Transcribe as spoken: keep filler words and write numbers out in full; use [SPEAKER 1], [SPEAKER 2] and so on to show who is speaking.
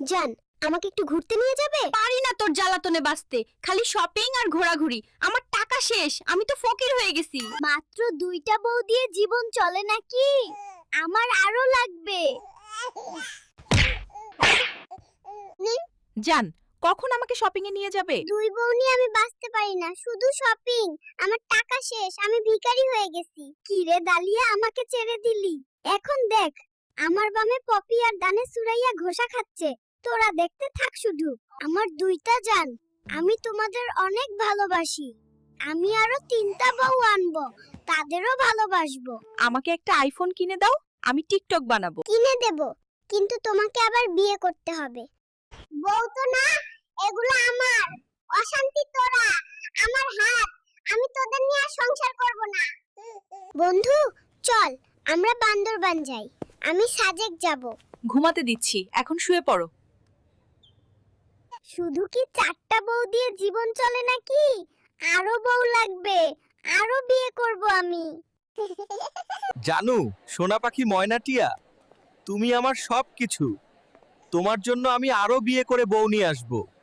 [SPEAKER 1] জান, আমাকে একটু ঘুরতে নিয়ে যাবে?
[SPEAKER 2] পারি না তোর জ্বালাতনে বাঁচতে, খালি শপিং আর ঘোরাঘুরি। আমার টাকা শেষ, আমি তো ফকির হয়ে গেছি।
[SPEAKER 1] মাত্র দুইটা বউ দিয়ে জীবন চলে নাকি? আমার আরো লাগবে।
[SPEAKER 2] জান, কখন আমাকে শপিং এ নিয়ে যাবে?
[SPEAKER 1] দুই বউ নিয়ে আমি বাঁচতে পারি না, শুধু শপিং। আমার টাকা শেষ, আমি ভিখারি হয়ে গেছি। কি রে দালিয়া, আমাকে ছেড়ে দিলি? এখন দেখ, আমার বামে পপি আর ডানে সুরাইয়া ঘোষা খাচ্ছে। তোরা দেখতে থাক শুধু। আমার দুইটা জান, আমি তোমাদের অনেক ভালোবাসি। আমি আরো তিনটা বউ আনবো, তাদেরও ভালোবাসবো।
[SPEAKER 2] আমাকে একটা আইফোন কিনে দাও, আমি টিকটক বানাবো।
[SPEAKER 1] কিনে দেব, কিন্তু তোমাকে আবার বিয়ে করতে হবে। বউ তো না, এগুলো আমার। অশান্তি তোরা, আমার হাত। আমি তোদের নিয়ে আর সংসার করব না। বন্ধু, চল আমরা বান্দরবান যাই। আমি সাজেক যাব।
[SPEAKER 2] ঘুমাতে দিচ্ছি, এখন শুয়ে পড়ো।
[SPEAKER 1] শুধু কি চারটা বউ দিয়ে জীবন চলে নাকি? আরো বউ লাগবে, আরো বিয়ে করব আমি।
[SPEAKER 3] জানু, সোনা পাখি ময়নাটিয়া, তুমি আমার সব কিছু। তোমার জন্য আমি আরো বিয়ে করে বউ নিয়ে আসবো।